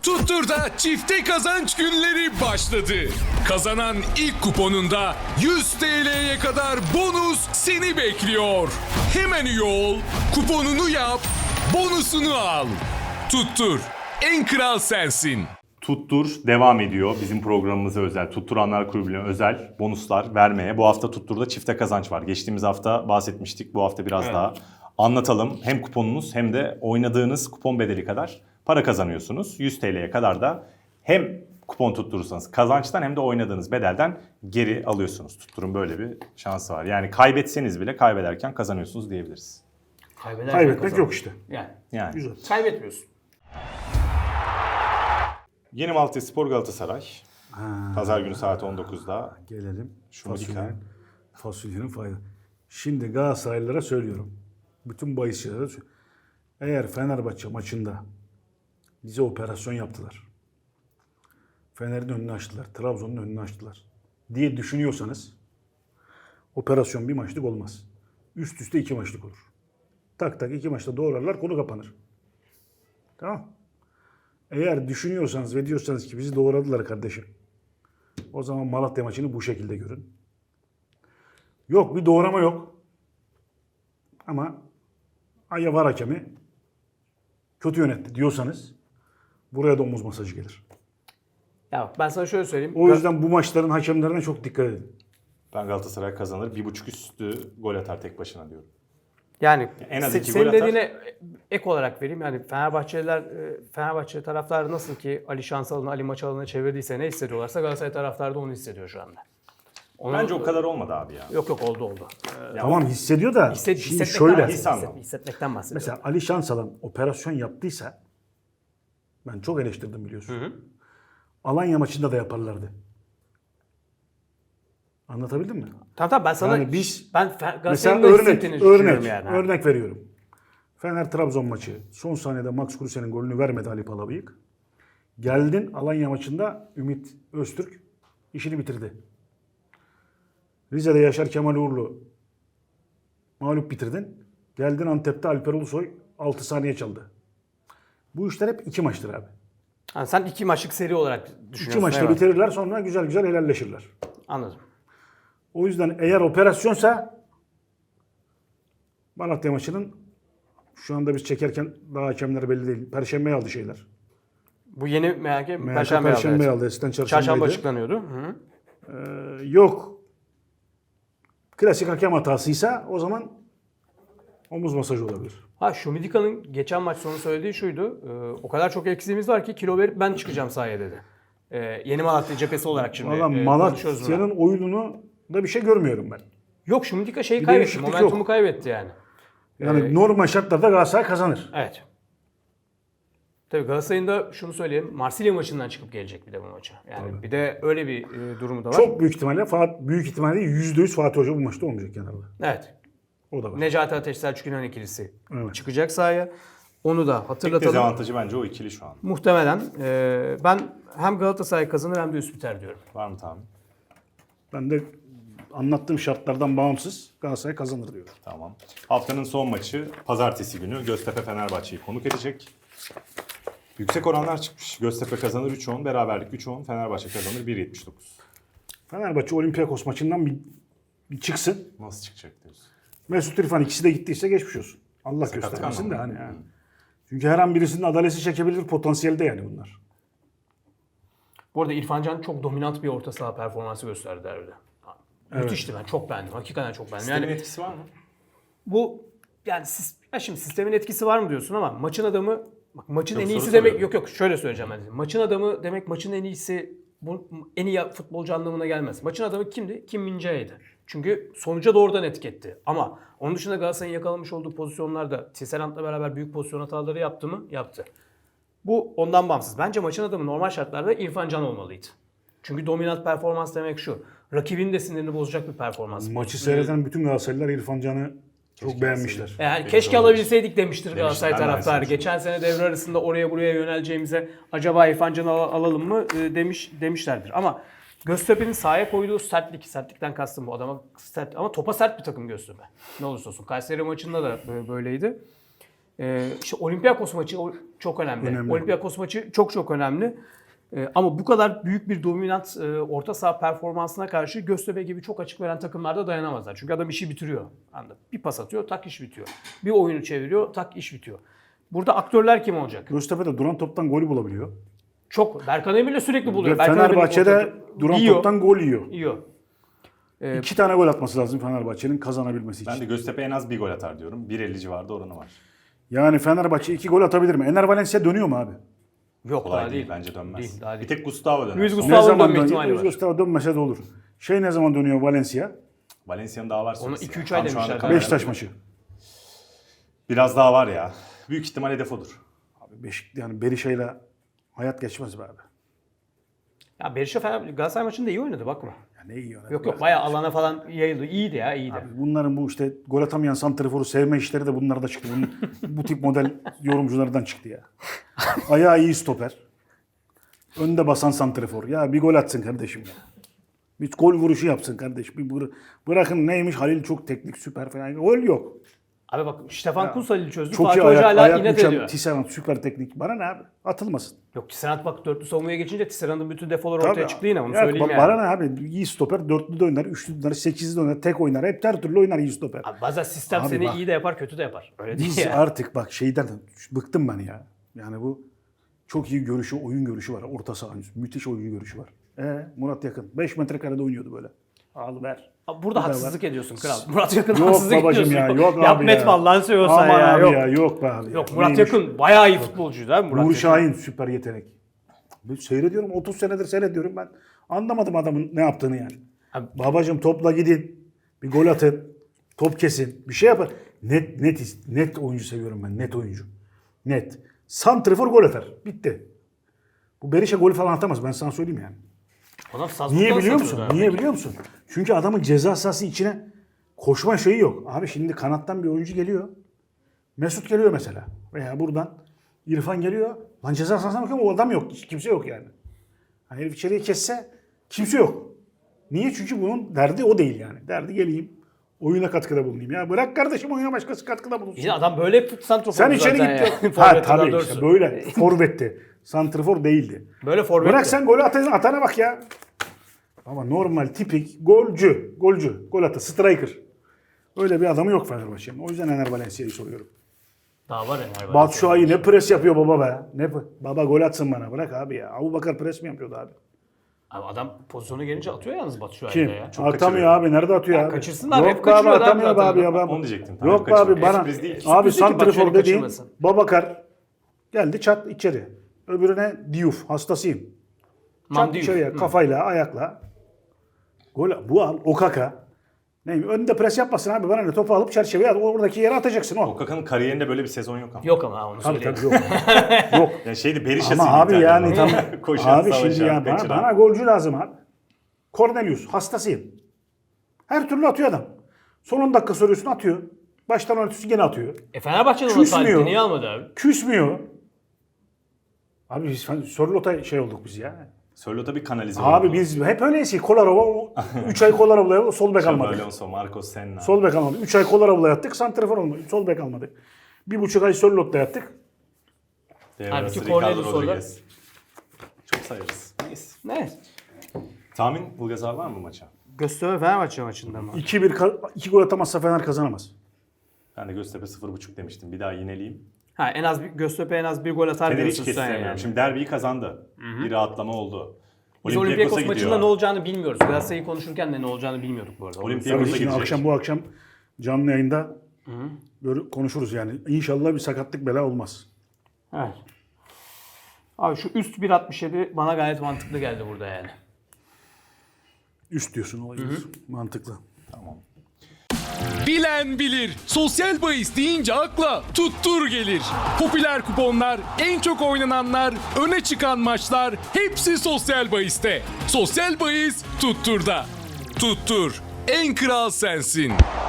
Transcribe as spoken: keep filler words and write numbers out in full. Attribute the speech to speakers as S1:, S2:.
S1: Tuttur'da çifte kazanç günleri başladı. Kazanan ilk kuponunda yüz T L'ye kadar bonus seni bekliyor. Hemen üye ol, kuponunu yap, bonusunu al. Tuttur, en kral sensin.
S2: Tuttur devam ediyor. Bizim programımıza özel, Tutturanlar Kulübü'ne özel bonuslar vermeye. Bu hafta Tuttur'da çifte kazanç var. Geçtiğimiz hafta bahsetmiştik. Bu hafta biraz evet. daha anlatalım. Hem kuponunuz hem de oynadığınız kupon bedeli kadar para kazanıyorsunuz. yüz T L'ye kadar da hem kupon tutturursanız kazançtan hem de oynadığınız bedelden geri alıyorsunuz. Tuttur'un böyle bir şansı var. Yani kaybetseniz bile kaybederken kazanıyorsunuz diyebiliriz.
S3: Kaybederken
S4: Kaybetmek
S3: kazanır.
S4: yok işte.
S3: Yani.
S2: Yani.
S4: Güzel.
S3: Kaybetmiyorsun.
S2: Yeni Malatya Spor Galatasaray.
S4: Ha,
S2: Pazar günü saat on dokuzda.
S4: Gelelim.
S2: Şumidika.
S4: Fasulyenin, fasulyenin fayda. Şimdi Galatasaraylılara söylüyorum. Bütün bahisçilere söylüyorum. Eğer Fenerbahçe maçında bize operasyon yaptılar. Fener'in önünü açtılar. Trabzon'un önünü açtılar diye düşünüyorsanız operasyon bir maçlık olmaz. Üst üste iki maçlık olur. Tak tak iki maçta doğrarlar, konu kapanır. Tamam. Eğer düşünüyorsanız ve diyorsanız ki bizi doğradılar kardeşim, o zaman Malatya maçını bu şekilde görün. Yok, bir doğrama yok. Ama Aya var hakemi kötü yönetti diyorsanız buraya da omuz masajı gelir.
S3: Ya ben sana şöyle söyleyeyim.
S4: O yüzden bu maçların hakemlerine çok dikkat edin.
S2: Ben Galatasaray kazanır. Bir buçuk üstü gol atar tek başına diyorum.
S3: Yani
S2: En az
S3: se-
S2: iki
S3: senin
S2: gol atar.
S3: dediğine ek olarak vereyim. Yani Fenerbahçeliler, Fenerbahçe taraftarı nasıl ki Ali Şansalan'ı Ali Maçalan'ı çevirdiyse ne hissediyorlarsa Galatasaray taraftarı da onu hissediyor şu anda. Onu,
S2: Bence o kadar olmadı abi ya.
S3: Yok yok oldu oldu.
S2: Ya
S4: Tamam, hissediyor da
S3: Hisset,
S4: şimdi
S3: hissetmekten
S4: şöyle.
S3: bahsediyorum.
S2: His anlamı.
S3: Hissetmekten bahsediyorum.
S4: Mesela Ali Şansalan operasyon yaptıysa, ben çok eleştirdim biliyorsun.
S3: Hı hı.
S4: Alanya maçında da yaparlardı. Anlatabildim mi?
S3: Tamam tamam ben sana
S4: Yani biz
S3: ben Fe-
S4: Mesela
S3: Galatasaray'ın da
S4: örnek,
S3: hissettiğini düşünüyorum
S4: örnek,
S3: yani.
S4: örnek veriyorum. Fener Trabzon maçı son saniyede Max Kruse'nin golünü vermedi Ali Palabıyık. Geldin Alanya maçında Ümit Öztürk işini bitirdi. Rize'de Yaşar Kemal Uğurlu mağlup bitirdin. Geldin Antep'te Alper Ulusoy altı saniye çaldı. Bu işler hep iki maçtır abi.
S3: Ha, sen iki maçlık seri olarak düşünüyorsun.
S4: İki maçta
S3: evet.
S4: bitirirler, sonra güzel güzel helalleşirler.
S3: Anladım.
S4: O yüzden eğer operasyonsa Malatya maçının şu anda biz çekerken daha hakemler belli değil. Perşembeye aldı şeyler.
S3: Bu yeni M H K
S4: M H K
S3: Perşembe aldı.
S4: Perşembe
S3: evet.
S4: aldı. Eskiden çarşambaydı.
S3: Çarşamba açıklanıyordu. Hı.
S4: Ee, yok. Klasik hakem hatasıysa o zaman omuz masajı olabilir.
S3: Ha Şumidika'nın geçen maç sonu söylediği şuydu. E, o kadar çok eksiğimiz var ki kilo verip ben çıkacağım sahaya dedi. E, yeni Malatya cephesi olarak şimdi
S4: Valla
S3: e, konuşuyoruz
S4: Malatya'nın
S3: buna.
S4: oyununu da bir şey görmüyorum ben.
S3: Yok Şumidika şeyi
S4: Bir
S3: kaybetti.
S4: değişiklik
S3: Momentumu
S4: yok.
S3: kaybetti yani.
S4: Yani
S3: Ee,
S4: normal şartlarda Galatasaray kazanır.
S3: Evet. Tabii Galatasaray'ın da şunu söyleyeyim. Marsilya maçından çıkıp gelecek bir de bu maça. Yani
S4: Tabii.
S3: bir de öyle bir e, durumu da var.
S4: Çok büyük ihtimalle Fat- büyük ihtimalle yüzde yüz Fatih Hoca bu maçta olmayacak kenarda.
S3: Evet.
S4: O da var.
S3: Necati Ateş Selçuk İnan ikilisi
S4: Evet.
S3: çıkacak sahaya. Onu da
S2: Tek
S3: hatırlatalım.
S2: dezavantajı bence o ikili şu an.
S3: Muhtemelen e, ben hem Galatasaray kazanır hem de üst biter diyorum.
S2: Var mı tahmin?
S4: Ben de anlattığım şartlardan bağımsız Galatasaray kazanır diyorum.
S2: Tamam. Haftanın son maçı pazartesi günü Göztepe Fenerbahçe'yi konuk edecek. Yüksek oranlar çıkmış. Göztepe kazanır üç on, beraberlik üç on, Fenerbahçe kazanır bir yetmiş dokuz.
S4: Fenerbahçe Olympiakos maçından bir, bir çıksın.
S2: Nasıl çıkacak diyorsun?
S4: Mesut İrfan ikisi de gittiyse geçmiş olsun. Allah
S2: Sakat
S4: göstermesin de
S2: kalmadı.
S4: hani. Yani. Çünkü her an birisinin adalesi çekebilir potansiyelde yani bunlar.
S3: Bu arada İrfan Can çok dominant bir orta saha performansı gösterdi derbide.
S4: Evet.
S3: Müthişti, ben çok beğendim. Hakikaten çok beğendim.
S2: Sistemin
S3: Yani
S2: etkisi var mı?
S3: bu yani sis- ya şimdi sistemin etkisi var mı diyorsun ama maçın adamı bak maçın
S2: Yok,
S3: en
S2: soru
S3: iyisi demek
S2: soruyorum.
S3: yok yok şöyle söyleyeceğim ben. Maçın adamı demek maçın en iyisi bu en iyi futbolcu anlamına gelmez. Maçın adamı kimdi? Kim Min-jae'ydi. Çünkü sonuca doğrudan etiketti. Ama onun dışında Galatasaray'ın yakalamış olduğu pozisyonlarda Tisserant'la beraber büyük pozisyon hataları yaptı mı? Yaptı. Bu ondan bağımsız. Bence maçın adamı normal şartlarda İrfan Can olmalıydı. Çünkü dominant performans demek şu. Rakibin de sinirini bozacak bir performans.
S4: Maçı seyreden bütün Galatasaraylılar İrfan Can'ı çok beğenmişler.
S3: Yani
S2: Benim
S3: keşke
S2: de
S3: alabilseydik demiştir
S2: Demişler,
S3: Galatasaray
S2: ben de
S3: taraftarı.
S2: aynısını
S3: Geçen sene devre arasında oraya buraya yöneleceğimize acaba İrfan Can'ı al- alalım mı e, demiş demişlerdir. Ama Göztepe'nin sahaya koyduğu sertlik, sertlikten kastım bu adama sert ama topa sert bir takım Göztepe. Ne olursa olsun. Kayseri maçında da böyle- böyleydi. Ee, işte Olympiakos maçı o- çok önemli.
S4: Önemli.
S3: Olympiakos maçı çok çok önemli. Ee, ama bu kadar büyük bir dominant e, orta saha performansına karşı Göztepe gibi çok açık veren takımlar da dayanamazlar. Çünkü adam işi bitiriyor. Anladın? Bir pas atıyor, tak iş bitiyor. Bir oyunu çeviriyor, tak iş bitiyor. Burada aktörler kim olacak?
S4: Göztepe'de duran toptan golü bulabiliyor.
S3: Çok. Berkan Emir'le sürekli buluyor.
S4: Ve
S3: Berkan Emir'in
S4: Fenerbahçe'de
S3: orta-
S4: duran
S3: yiyor,
S4: toptan gol yiyor.
S3: yiyor.
S4: İki tane gol atması lazım Fenerbahçe'nin kazanabilmesi için.
S2: Ben de Göztepe en az bir gol atar diyorum. bir elli civarında oranı var.
S4: Yani Fenerbahçe iki gol atabilir mi? Ener Valencia dönüyor mu abi?
S3: Yok
S2: Kolay
S3: daha
S2: değil,
S3: değil.
S2: bence dönmez.
S3: Değil, daha
S2: Bir
S3: değil.
S2: tek Gustavo döner.
S3: Luis
S2: Son-
S3: Gustavo-
S4: Ne zaman
S3: dönme
S4: dönüyor?
S3: ihtimali var.
S4: Gustavo dönmese de olur. Şey ne zaman dönüyor Valencia?
S2: Valencia'nın daha var.
S3: Onu
S2: süresi
S3: iki
S2: ya.
S3: üç ay
S2: Tam şu anda
S3: demişler.
S2: karar
S4: Beşiktaş
S2: verdim.
S4: maçı.
S2: Biraz daha var ya. Büyük ihtimal hedef odur.
S4: Abi Beşik, yani Berisha'yla hayat geçmez be abi.
S3: Ya Berisha Fener Galatasaray maçında iyi oynadı bakma.
S4: Ya ne iyi oynadı.
S3: Yok yok bayağı alana falan yayıldı. İyiydi ya iyiydi.
S4: Abi bunların bu işte gol atamayan santriforu sevme işleri de bunlarda çıktı. Bunun, bu tip model yorumculardan çıktı ya. Ayağı iyi stoper. Önde basan santrifor. Ya bir gol atsın kardeşim ya. Bir gol vuruşu yapsın kardeş. Bir bıra- bırakın neymiş Halil çok teknik süper falan. Gol yok.
S3: Abi bak Stefan Kunsal'i çözdü.
S4: Çok iyi
S3: Fatih Hoca
S4: ayak,
S3: hala
S4: ayak
S3: inat
S4: uçan
S3: ediyor.
S4: Tisserand süper teknik. Bana ne abi? Atılmasın.
S3: Yok Tisserand bak dörtlü savunmaya geçince Tisserand'ın bütün defoları
S4: Tabii.
S3: ortaya çıktı yine onu
S4: Ya
S3: söyleyeyim
S4: ba-
S3: yani.
S4: Bana ne abi? İyi stoper. Dörtlü de oynar, üçlü de oynar, sekizli de oynar, tek oynar. Hep her türlü oynar iyi stoper.
S3: Abi bazen sistem
S4: Abi
S3: seni
S4: bak.
S3: iyi de yapar kötü de yapar. Öyle değil
S4: Biz
S3: ya.
S4: artık bak şeyden bıktım ben ya. Yani bu çok iyi görüşü, oyun görüşü var. Orta saha müthiş oyun görüşü var. E Murat Yakın. beş metrekarede oynuyordu böyle. Al ver.
S3: Abi burada
S4: Bir daha
S3: haksızlık ediyorsun kral. Murat Yakın
S4: Yok
S3: haksızlık
S4: babacım
S3: ediyorsun.
S4: ya. Yok abi
S3: Yapma
S4: ya.
S3: etme Allah'ını seviyorsan
S4: Aman
S3: ya.
S4: abi
S3: Yok.
S4: ya. Yok be abi. ya.
S3: Yok Murat
S4: Neymiş?
S3: Yakın bayağı iyi futbolcuydu abi Murat
S4: Nuri
S3: Yakın.
S4: Şahin süper yetenek. Ben seyrediyorum. otuz senedir seyrediyorum ben. Anlamadım adamın ne yaptığını yani.
S3: Abi-
S4: Babacım topla gidin. Bir gol atın. Top kesin. Bir şey yapın. Net net is- net oyuncu seviyorum ben. Net oyuncu. Net. Santrifor gol atar. Bitti. Bu Berisha gol falan atamaz. Ben sana söyleyeyim yani.
S3: Adam Salzburg'dan
S4: Niye biliyor musun?
S3: satıyordu abi.
S4: Niye biliyor musun? Çünkü adamın ceza sahası içine koşma şeyi yok. Abi şimdi kanattan bir oyuncu geliyor. Mesut geliyor mesela. Veya buradan İrfan geliyor. Lan ceza sahasına bakıyorum o adam yok. Hiç kimse yok yani. Hani herif içeriye kesse kimse yok. Niye? Çünkü bunun derdi o değil yani. Derdi geleyim oyuna katkıda bulunayım. Ya bırak kardeşim oyuna başkası katkıda bulunsun.
S3: İşte adam böyle santrofor
S4: Sen içeri
S3: zaten
S4: git.
S3: ya.
S4: Ha
S3: Forvet daha
S4: tabii
S3: doğrusu.
S4: işte böyle. Forvetti. Santrfor değildi.
S3: Böyle forvet.
S4: Bırak sen golü atana, atana bak ya. Ama normal tipik golcü, golcü, gol atı, striker. Öyle bir adamı yok Fenerbahçe'nin. O yüzden Ener Valencia'yı soruyorum.
S3: Daha var ya.
S4: Batu Şua'yı ne pres yapıyor baba be. Ne p- baba gol atsın bana bırak abi ya. Abubakar pres mi yapıyordu abi?
S3: Abi adam pozisyonu gelince atıyor yalnız Batu Şua'yı
S4: Kim?
S3: da ya.
S2: Çok
S4: Atamıyor
S2: kaçırıyor.
S4: abi. Nerede atıyor
S3: Ya
S4: abi?
S3: kaçırsınlar, hep
S4: Yok be abi
S3: kaçırıyor da
S4: atamıyor be
S3: zaten.
S4: abi ya. Ben...
S2: Onu diyecektim.
S4: Yok be
S2: Kaçırıyor.
S4: abi bana.
S2: Sürpriz değil.
S4: Abi
S3: Sürpriz değil ki
S4: santrifor
S3: Batshuayi
S4: dediğin
S3: kaçırmasın.
S4: Babakar geldi çat içeri. Öbürüne Diouf hastasıyım. Çat
S3: Mam Diouf.
S4: içeriye
S3: Hı.
S4: kafayla ayakla. Gol bu al Okaka. Neymiş? Önde pres yapmasın abi. Bana ne topu alıp çerçeveye at. Oradaki yere atacaksın o.
S2: Okaka'nın kariyerinde böyle bir sezon yok ama.
S3: Yok ama ha, onu
S4: Tabii
S3: söyleyeyim.
S4: tabii yok. yok.
S2: Yani şeydi Berisha'sıydı.
S4: Ama abi
S2: İtalyanlar.
S4: yani tam
S2: Koşan,
S4: abi şimdi
S2: savaşan,
S4: ya bana,
S2: kaçıran.
S4: bana golcü lazım abi. Cornelius hastasıyım. Her türlü atıyor adam. Son on dakika soruyorsun atıyor. Baştan örtüsü gene atıyor.
S3: E Fenerbahçe'nin onu
S4: Küsmüyor.
S3: Salih'ti niye almadı abi?
S4: Küsmüyor. Abi biz Sörlot'a şey olduk biz ya.
S2: Sörlot'a bir kanalize
S4: Abi
S2: oldu.
S4: biz hep öyleyiz ki Kolarova üç ay Kolarova'ya sol bek
S2: Xabi
S4: almadık.
S2: Alonso, Marcos Senna.
S4: Sol bek almadık. üç ay Kolarova'ya yattık. Santrafor olmadı. Sol bek almadık. Bir buçuk ay Sörlot'ta yattık.
S2: Devre
S3: Halbuki
S2: arası Ricardo
S3: Cornelius orada.
S2: Rodriguez. Çok sayarız. Neyse.
S3: Ne?
S2: Tahmin Bulgaz abi var mı maça?
S3: Göztepe Fenerbahçe maçında mı?
S4: iki bir iki gol atamazsa Fener kazanamaz.
S2: Ben de Göztepe sıfır buçuk demiştim. Bir daha yineleyeyim.
S3: Ha en az bir, Göztepe en az bir gol atar
S2: Fener'i hiç
S3: diyorsun sen
S2: kestiremiyorum.
S3: yani.
S2: Şimdi derbiyi kazandı. Bir rahatlama oldu.
S3: Biz Olympiakos maçında ne olacağını bilmiyoruz. Galatasaray'ı konuşurken de ne olacağını bilmiyorduk bu arada. Onu
S2: Olympiakos'a
S4: Tabii
S3: söyleyeyim.
S4: şimdi
S2: gidecek.
S4: akşam bu akşam canlı yayında böyle konuşuruz yani. İnşallah bir sakatlık bela olmaz.
S3: Evet. Abi şu üst bir altmış yedi bana gayet mantıklı geldi burada yani.
S4: Üst diyorsun olayı. Mantıklı.
S2: Tamam.
S1: Bilen bilir. Sosyal bahis deyince akla tuttur gelir. Popüler kuponlar, en çok oynananlar, öne çıkan maçlar hepsi sosyal bahiste. Sosyal bahis tutturda. Tuttur. En kral sensin.